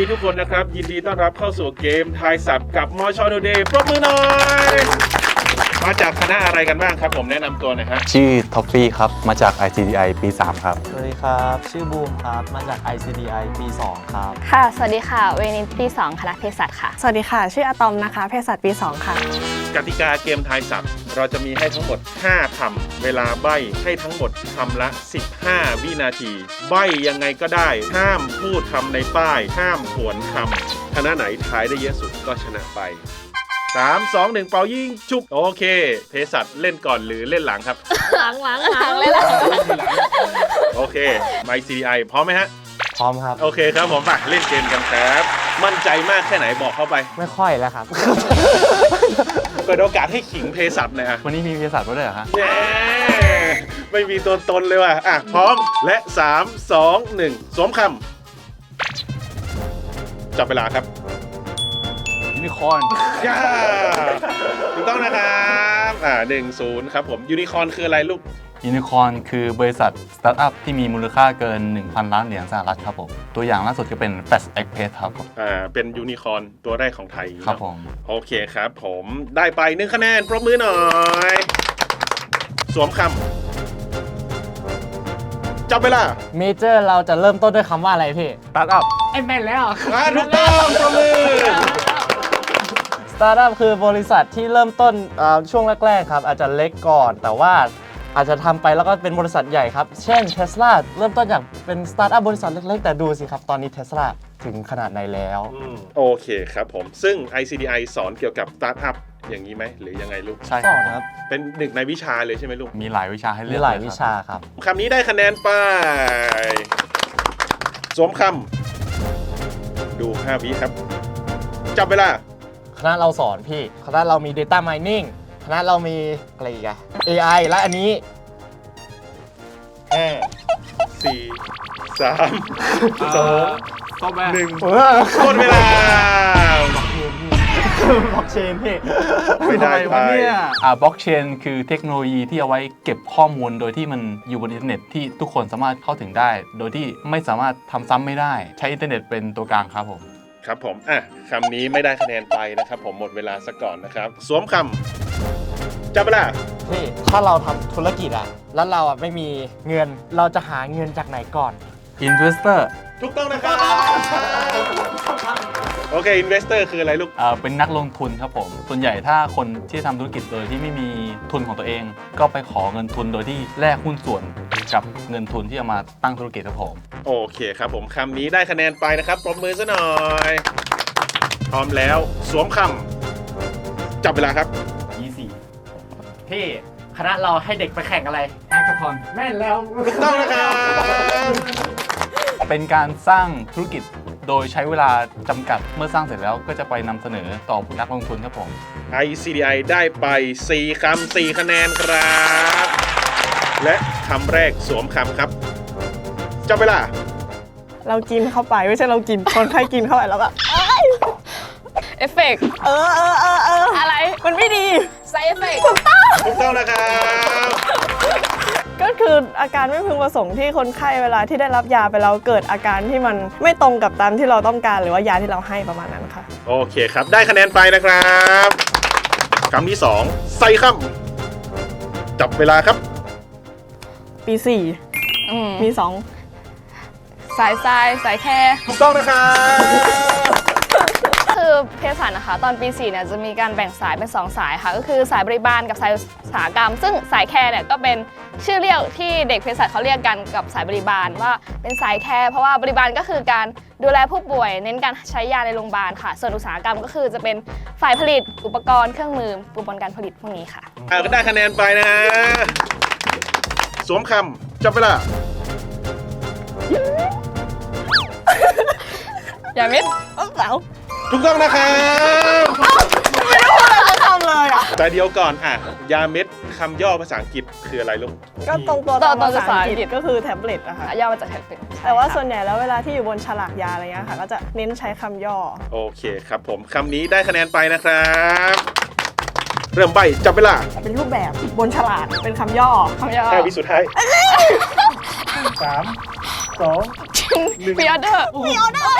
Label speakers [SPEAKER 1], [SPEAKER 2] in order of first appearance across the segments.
[SPEAKER 1] ดีทุกคนนะครับยินดีต้อนรับเข้าสู่เกมทายศัพท์กับมอชอโดเดย์ปรบมือหน่อยมาจากคณะอะไรกันบ้างครับผมแนะนำตัวหน่อยฮะ
[SPEAKER 2] ชื่อท็อฟฟี่ครับมาจาก ICDI ปี 3 ครับ
[SPEAKER 3] สวัสดีครับชื่อบูมครับมาจาก ICDI ปี 2 ครับ
[SPEAKER 4] ค่ะ สวัสดีค่ะ เวนินปี 2 คณะเภสัชค่ะ
[SPEAKER 5] สวัสดีค่ะชื่ออะตอมนะคะเภสัชปี 2 ค่ะ
[SPEAKER 1] กติกาเกมทายศัพท์เราจะมีให้ทั้งหมด5คำเวลาใบ้ให้ทั้งหมดคำละ15วินาทีใบ้ยังไงก็ได้ห้ามพูดคำในป้ายห้ามผวนคำคณะไหนทายได้เยอะสุดก็ชนะไป3 2 1เป่ายิงชุบโอเคเภสัชเล่นก่อนหรือเล่นหลังครับ
[SPEAKER 4] หลังเลยล่ะ
[SPEAKER 1] โอเคไมค์ CDI พร้อมไหมฮะ
[SPEAKER 3] พร้อมครับ
[SPEAKER 1] โอเคครับผมไปเล่นเกมกันครับมั่นใจมากแค่ไหนบอกเข้าไป
[SPEAKER 3] ไม่ค่อยแล้วครับ
[SPEAKER 1] เปิดโอกาสให้ขิงเภสัชหน่อยอ่ะ
[SPEAKER 2] วันนี้มีเภสัชด้วยเหรอฮะ
[SPEAKER 1] ไม่มีตัวตนเลยว่ะอ่ะพร้อมและ3 2 1สวมคำจับเวลาครับ
[SPEAKER 2] ยูนิคอร์น
[SPEAKER 1] ย่าถูกต้องนะครับ1-0ครับผมยูนิคอร์นคืออะไรลูก
[SPEAKER 2] ยูนิคอร์นคือบริษัทสตาร์ทอัพที่มีมูลค่าเกิน 1,000 ล้านเหรียญสหรัฐครับผมตัวอย่างล่าสุดก็เป็น Fast Express ครับผม
[SPEAKER 1] เป็นยูนิคอร์นตัวแรกของไทย
[SPEAKER 2] ครับผม
[SPEAKER 1] โอเคครับผมได้ไป1คะแนนปรบมือหน่อยสวมคำจับเวลา
[SPEAKER 3] เมเจอร์เราจะเริ่มต้นด้วยคำว่าอะไรพี่
[SPEAKER 2] สตาร์ทอัพ
[SPEAKER 3] ไอ้แม่นแล้ว
[SPEAKER 1] ถูกต้องปรบมือ
[SPEAKER 3] สตาร์ทอัพคือบริษัทที่เริ่มต้นช่วงแรกๆครับอาจจะเล็กก่อนแต่ว่าอาจจะทำไปแล้วก็เป็นบริษัทใหญ่ครับเช่น Tesla เริ่มต้นจากเป็นสตาร์ทอัพบริษัทเล็กๆแต่ดูสิครับตอนนี้ Tesla ถึงขนาดไหนแล้ว
[SPEAKER 1] โอเคครับผมซึ่ง ICDI สอนเกี่ยวกับสตาร์ทอัพอย่างนี้ไหมหรือยังไงลูก
[SPEAKER 2] ใช่
[SPEAKER 3] ครับ
[SPEAKER 1] เป็นหนึ่งในวิชาเลยใช่ไหมลูก
[SPEAKER 2] มีหลายวิชาให้เลือก
[SPEAKER 3] มีหลายวิชาครับ
[SPEAKER 1] คำนี้ได้คะแนนไปสวมคำดู5วิครับจับเวลา
[SPEAKER 3] คณะเราสอนพี่คณะเรามี Data Mining คณะเรามีอะไรอีกอะ AI และอันนี้
[SPEAKER 1] 5 4 3 2 1หมดเวลา
[SPEAKER 3] บล็อกเชนพี่
[SPEAKER 1] ไม่ได้ไป
[SPEAKER 2] บล็อกเชนคือเทคโนโลยีที่เอาไว้เก็บข้อมูลโดยที่มันอยู่บนอินเทอร์เน็ตที่ทุกคนสามารถเข้าถึงได้โดยที่ไม่สามารถทำซ้ำไม่ได้ใช้อินเทอร์เน็ตเป็นตัวกลางครับผม
[SPEAKER 1] ครับผมคำนี้ไม่ได้คะแนนไปนะครับผมหมดเวลาซะก่อนนะครับสวมคำจับเวลา
[SPEAKER 3] พี่ถ้าเราทำธุรกิจแล้วเราไม่มีเงินเราจะหาเงินจากไหนก่อน
[SPEAKER 2] Investor
[SPEAKER 1] ถูกต้องนะครับโอเค Investor คืออะไรลูก
[SPEAKER 2] เป็นนักลงทุนครับผมส่วนใหญ่ถ้าคนที่ทำธุรกิจโดยที่ไม่มีทุนของตัวเองก็ไปขอเงินทุนโดยที่แลกหุ้นส่วนกับเงินทุนที่เอามาตั้งธุรกิจครับผม
[SPEAKER 1] โอเคครับผมคำนี้ได้คะแนนไปนะครับปรบมือซะหน่อยพร้อมแล้วสวมคำจับเวลาครับ
[SPEAKER 3] 24พี่คณะเราให้เด็กไปแข่งอะไรแฮกเกอร์ทอนแม่นแล้ว
[SPEAKER 1] ถูกต้องนะครับ
[SPEAKER 2] เป็นการสร้างธุรกิจโดยใช้เวลาจำกัดเมื่อสร้างเสร็จแล้วก็จะไปนำเสนอต่อนักลงทุนครับผม
[SPEAKER 1] ICDI ได้ไป4คำ4คะแนนครับและคำแรกสวมคำครับจับเวลา
[SPEAKER 5] เรากินเข้าไปไม่ใช่เรากินคนไข้กินเข้าไปแล้วแบบ
[SPEAKER 4] เอฟเฟกต์อะไร
[SPEAKER 5] มันไม่ดี
[SPEAKER 4] ไซเอฟเฟกต์
[SPEAKER 1] ถูกต้องนะครับ
[SPEAKER 5] ก็คืออาการไม่พึงประสงค์ที่คนไข้เวลาที่ได้รับยาไปแล้วเกิดอาการที่มันไม่ตรงกับตามที่เราต้องการหรือว่ายาที่เราให้ประมาณนั้นค่ะ
[SPEAKER 1] โอเคครับได้คะแนนไปนะครับคำที่2ใส่คำจับเวลาครับ
[SPEAKER 5] ปี4มี2
[SPEAKER 4] สายแค่
[SPEAKER 1] ถูกต้องนะครับ
[SPEAKER 4] คือเภสัชนะคะตอนปี4เนี่ยจะมีการแบ่งสายเป็น2สายค่ะก็คือสายบริบาลกับสายอุตสาหกรรมซึ่งสายแคร์เนี่ยก็เป็นชื่อเรียกที่เด็กเภสัชเขาเรียกกันกับสายบริบาลว่าเป็นสายแคร์เพราะว่าบริบาลก็คือการดูแลผู้ป่วยเน้นการใช้ยาในโรงพยาบาลค่ะส่วนอุตสาหกรรมก็คือจะเป็นฝ่ายผลิตอุปกรณ์เครื่องมืออุปกรณ์การผลิตพวกนี้ค่ะ
[SPEAKER 1] ก็ได้คะแนนไปนะสวมคำจับเวลา
[SPEAKER 4] อย่ามิด
[SPEAKER 5] เสา
[SPEAKER 1] ถูกต้องนะครับ
[SPEAKER 5] ไม่ได้พูดอะไรทำเลย
[SPEAKER 1] แต่เดียวก่อนยาเม็ดคำย่อภาษาอังกฤษคืออะไรลูก
[SPEAKER 5] ก็ตรงตัวภาษาอังกฤษก็คือแท็บเล็ตนะคะ
[SPEAKER 4] ย่อมาจากแท็บเล็ต
[SPEAKER 5] แต่ว่าส่วนใหญ่แล้วเวลาที่อยู่บนฉลากยาอะไรเงี้ยค่ะก็จะเน้นใช้คำย่อ
[SPEAKER 1] โอเคครับผมคำนี้ได้คะแนนไปนะครับเริ่มใบจับเวลา
[SPEAKER 5] เป็นรูปแบบบนฉลากเป็นคำย่อ
[SPEAKER 1] แค่วิสุดท้าย3 2
[SPEAKER 4] พิออเดอร์
[SPEAKER 1] หมดเวลาแล้ว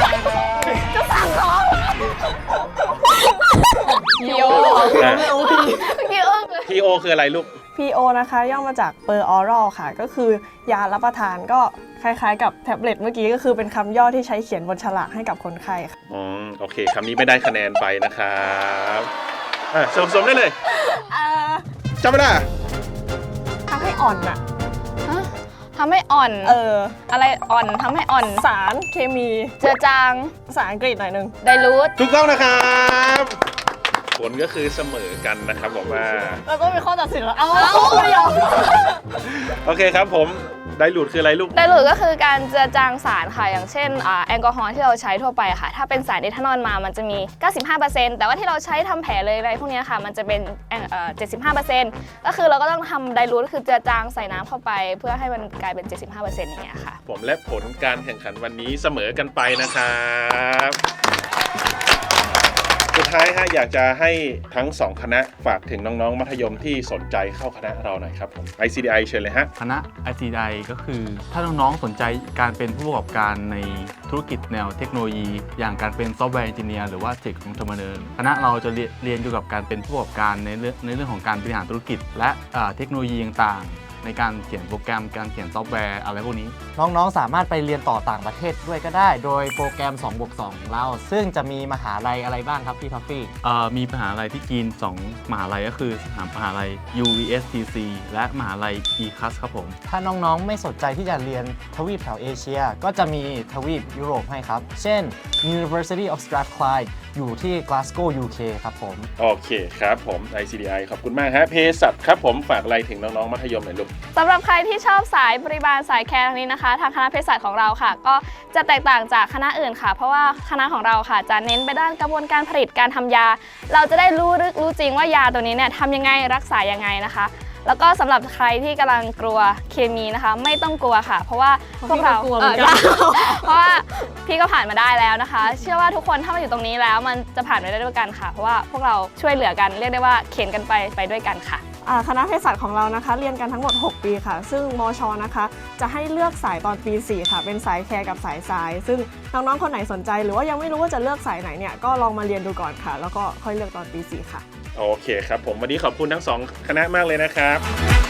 [SPEAKER 4] พีโอ
[SPEAKER 1] อ่ะ
[SPEAKER 4] พีโอ
[SPEAKER 1] PO คืออะไรลูก
[SPEAKER 5] PO นะคะย่อมาจาก per oral ค่ะ ก็คือยารับประทานก็คล้ายๆกับแท็บเล็ตเมื่อกี้ก็คือเป็นคำย่อที่ใช้เขียนบนฉลากให้กับคนไข้ค่ะ
[SPEAKER 1] โอเคคำนี้ไม่ได้คะแนนไปนะครับสมได้เลยจำไม่ได้
[SPEAKER 5] ทำให้อ่อนอะ
[SPEAKER 4] ทำให้อ่อน อะไรอ่อนทำให้อ่อน
[SPEAKER 5] สารเคมี
[SPEAKER 4] เจือจาง
[SPEAKER 5] ภาษาอังกฤษหน่อยนึง
[SPEAKER 4] ไดรูท
[SPEAKER 1] ถูกต้องนะครับผลก็คือเสมอกันนะครับบอกว่า
[SPEAKER 5] แล้วก็มีข้อตัดสินแล้วเอาไม่ยอม
[SPEAKER 1] โอเคครับผมไดรูทคืออะไรลูก
[SPEAKER 4] ไดรูทก็คือการเจือจางสารค่ะ อย่างเช่นแอลกอฮอล์ที่เราใช้ทั่วไปค่ะ ถ้าเป็นสารเอทานอลมามันจะมี 95%แต่ว่าที่เราใช้ทำแผลเลยอะไรพวกนี้ค่ะ มันจะเป็น75%ก็คือเราก็ต้องทำไดรูทก็คือเจือจางใส่น้ำเข้าไป เพื่อให้มันกลายเป็น 75%อย่างเงี้ยค่ะ
[SPEAKER 1] ผมและผลการแข่งขันวันนี้เสมอกันไปนะครับสุดท้ายฮะอยากจะให้ทั้ง 2 คณะฝากถึงน้องๆมัธยมที่สนใจเข้าคณะเราหน่อยครับผม ICDI เชิญเลยฮะ
[SPEAKER 2] คณะ ICDI ก็คือถ้าน้องๆสนใจการเป็นผู้ประกอบการในธุรกิจแนวเทคโนโลยี อย่างการเป็นซอฟต์แวร์เอนจิเนียร์หรือว่าเทคของเทอร์มินคณะเราจะเรียนเกี่ยวกับการเป็นผู้ประกอบการในเรื่องของการบริหารธุรกิจ และเทคโนโลยีต่างๆในการเขียนโปรแกรมการเขียนซอฟต์แวร์อะไรพวกนี้
[SPEAKER 3] น้องๆ สามารถไปเรียนต่อต่างประเทศด้วยก็ได้ โดยโปรแกรม 2+2 ของเรา ซึ่งจะมีมหาลัยอะไรบ้างครับพี่ท็อฟฟี่
[SPEAKER 2] มีมหาลัยที่จีน 2 มหาลัยก็คือมหาลัย UVSTC และมหาลัย ECAS ครับผม
[SPEAKER 3] ถ้าน้องๆ ไม่สนใจที่จะเรียนทวีปแถวเอเชีย ก็จะมีทวีปยุโรปให้ครับ เช่น University of Strathclyde อยู่ที่ Glasgow UK ครับผม
[SPEAKER 1] โอเคครับผม ICDI ขอบคุณมากฮะเภสัชครับผมฝากอะไรถึงน้องๆมัธยมหน่อยลูก
[SPEAKER 4] สำหรับใครที่ชอบสายบริบาลสายแคร์ทางนี้นะคะ ทางคณะเภสัชของเราค่ะ ก็จะแตกต่างจากคณะอื่นค่ะ เพราะว่าคณะของเราค่ะจะเน้นไปด้านกระบวนการผลิตการทำยา เราจะได้รู้ลึกรู้จริงว่ายาตัวนี้เนี่ยทำยังไงรักษายังไงนะคะ แล้วก็สำหรับใครที่กำลังกลัวเคมีนะคะ ไม่ต้องกลัวค่ะ เพราะว่าพวกเรา
[SPEAKER 5] พี่ก็กลัวเหมือนกัน
[SPEAKER 4] เพราะว่าพี่ก็ผ่านมาได้แล้วนะคะ เชื่อว่าทุกคนถ้ามาอยู่ตรงนี้แล้วมันจะผ่านไปได้ด้วยกันค่ะ เพราะว่าพวกเราช่วยเหลือกันเรียกได้ว่าเข็นกันไปด้วยกันค่ะ
[SPEAKER 5] คณะเภสัชของเรานะคะ เรียนกันทั้งหมด 6 ปีค่ะ ซึ่งมชนะคะ จะให้เลือกสายตอนปี 4 ค่ะ เป็นสายแคร์กับสายทราย ซึ่งน้องๆ คนไหนสนใจ หรือว่ายังไม่รู้ว่าจะเลือกสายไหนเนี่ย ก็ลองมาเรียนดูก่อนค่ะ แล้วก็ค่อยเลือกตอนปี 4 ค่ะ
[SPEAKER 1] โอเคครับผมวันนี้ขอบคุณทั้ง 2 คณะมากเลยนะครับ